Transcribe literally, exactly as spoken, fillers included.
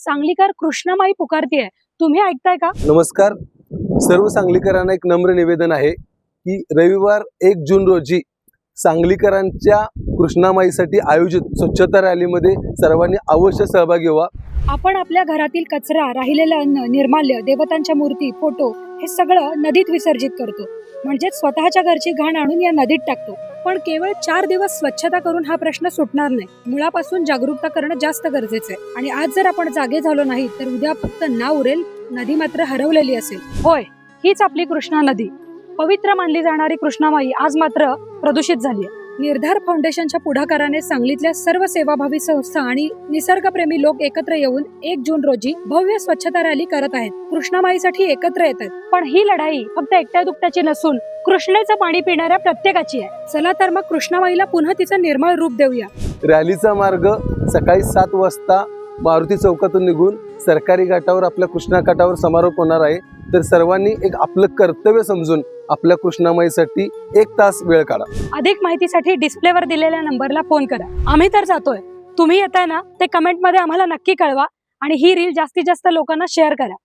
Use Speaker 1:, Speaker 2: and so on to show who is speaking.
Speaker 1: सांगलीकर कृष्णामाई पुकारतीये, तुम्ही ऐकताय का?
Speaker 2: नमस्कार. सर्व सांगलीकरांना एक नम्र निवेदन आहे की रविवार एक जून रोजी सांगलीकरांच्या कृष्णामाईसाठी आयोजित स्वच्छता रॅलीमध्ये सर्वांनी अवश्य सहभागी व्हा.
Speaker 1: आपण आपल्या घरातील कचरा, राहिलेलं अन्न, निर्माल्य, देवतांच्या मूर्ती, फोटो हे सगळं नदीत विसर्जित करतो, म्हणजे स्वतःच्या घरची घाण आणून या नदीत टाकतो. पण केवळ चार दिवस स्वच्छता करून हा प्रश्न सुटणार नाही. मुळापासून जागरूकता करणं जास्त गरजेचं आहे. आणि आज जर आपण जागे झालो नाही तर उद्या फक्त नाव उरेल, नदी मात्र हरवलेली असेल. होय, हीच आपली कृष्णा नदी. पवित्र मानली जाणारी कृष्णामाई आज मात्र प्रदूषित झाली आहे. निर्धार फाउंडेशनच्या पुढाकाराने सांगलीतल्या सर्व सेवाभावी संस्था आणि निसर्गप्रेमी लोक एकत्र येऊन एक जून रोजी भव्य स्वच्छता रॅली करत आहेत. कृष्णामाईसाठी एकत्र येत आहेत. पण ही लढाई फक्त एकट्या दुकट्याची नसून कृष्णेचं पाणी पिणाऱ्या प्रत्येकाची आहे. चला तर मग कृष्णामाईला पुन्हा तिचं निर्मळ रूप देऊया.
Speaker 2: रॅलीचा मार्ग सकाळी सात वाजता मारुती चौकातून निघून सरकारी घाटावर आपल्या कृष्णा घाटावर समारोप होणार आहे. तर सर्वांनी एक आपलं कर्तव्य समजून आपल्या कृष्णामाईसाठी एक तास वेळ काढा.
Speaker 1: अधिक माहितीसाठी डिस्प्लेवर दिलेल्या नंबरला फोन करा. आम्ही तर जातोय, तुम्ही येताय ना ते कमेंट मध्ये आम्हाला नक्की कळवा आणि ही रील जास्तीत जास्त लोकांना शेअर करा.